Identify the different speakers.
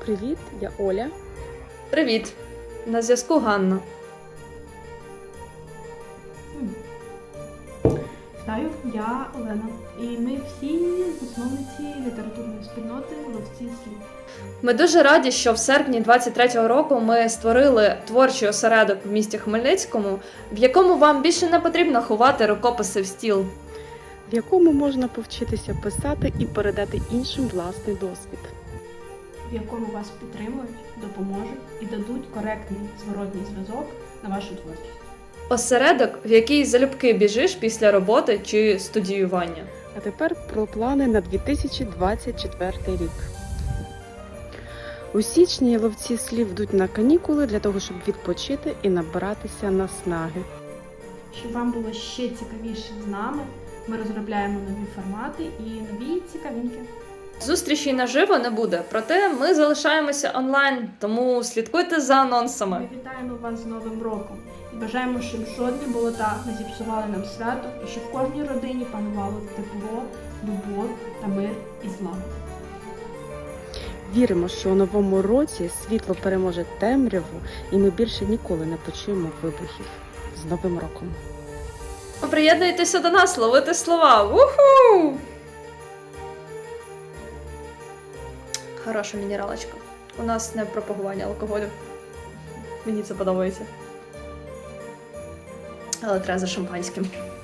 Speaker 1: Привіт, я Оля.
Speaker 2: Привіт! На зв'язку Ганна.
Speaker 3: Вітаю, я Олена. І ми всі засновниці літературної спільноти «Ловці слів».
Speaker 2: Ми дуже раді, що в серпні 23-го року ми створили творчий осередок в місті Хмельницькому, в якому вам більше не потрібно ховати рукописи в стіл.
Speaker 1: В якому можна повчитися писати і передати іншим власний досвід.
Speaker 3: В якому вас підтримують, допоможуть і дадуть коректний зворотній зв'язок на вашу творчість.
Speaker 2: Осередок, в який залюбки біжиш після роботи чи студіювання.
Speaker 1: А тепер про плани на 2024 рік. У січні ловці слів йдуть на канікули для того, щоб відпочити і набиратися наснаги.
Speaker 3: Щоб вам було ще цікавіше з нами, ми розробляємо нові формати і нові цікавинки.
Speaker 2: Зустрічей наживо не буде, проте ми залишаємося онлайн, тому слідкуйте за анонсами.
Speaker 3: Ми вітаємо вас з Новим роком і бажаємо, щоб жодні болота не зіпсували нам свято і щоб в кожній родині панувало тепло, любов та мир і злагода.
Speaker 1: Віримо, що у новому році світло переможе темряву і ми більше ніколи не почуємо вибухів. З Новим роком!
Speaker 2: Приєднуйтеся до нас, ловити слова! Уху! Хороша мінералочка. У нас не пропагування алкоголю. Мені це подобається. Але треба за шампанським.